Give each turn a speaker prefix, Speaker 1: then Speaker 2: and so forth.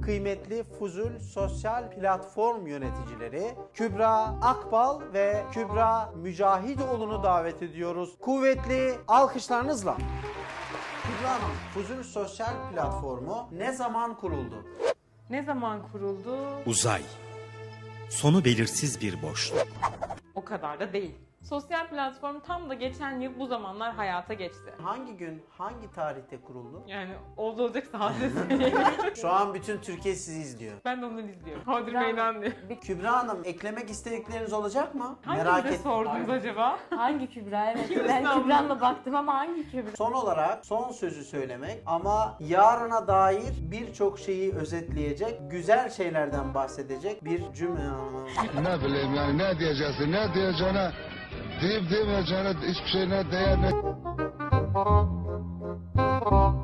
Speaker 1: kıymetli Fuzul sosyal platform yöneticileri Kübra Akbal ve Kübra Mücahitoğlu'nu davet ediyoruz. Kuvvetli alkışlarınızla. Kübra Hanım, Fuzul sosyal platformu ne zaman kuruldu?
Speaker 2: Ne zaman kuruldu?
Speaker 3: Uzay. Sonu belirsiz bir boşluk.
Speaker 2: O kadar da değil. Sosyal platform tam da geçen yıl bu zamanlar hayata geçti.
Speaker 1: Hangi gün, hangi tarihte kuruldu?
Speaker 2: Yani olacak saatte söyleyeyim.
Speaker 1: Şu an bütün Türkiye sizi izliyor.
Speaker 2: Ben de onu izliyorum. Hodri meydan diye.
Speaker 1: Kübra Hanım, eklemek istedikleriniz olacak mı?
Speaker 2: Hangi sordunuz acaba?
Speaker 4: Hangi Kübra? Evet,
Speaker 2: Kim
Speaker 4: ben
Speaker 2: İstanbul?
Speaker 4: Kübra'nla baktım ama hangi Kübra?
Speaker 1: Son olarak son sözü söylemek ama yarına dair birçok şeyi özetleyecek, güzel şeylerden bahsedecek bir cümle.
Speaker 5: Ne bileyim yani ne diyeceksin, ne diyeceğine, deyip demeyeceğine hiçbir şeyine değer ne...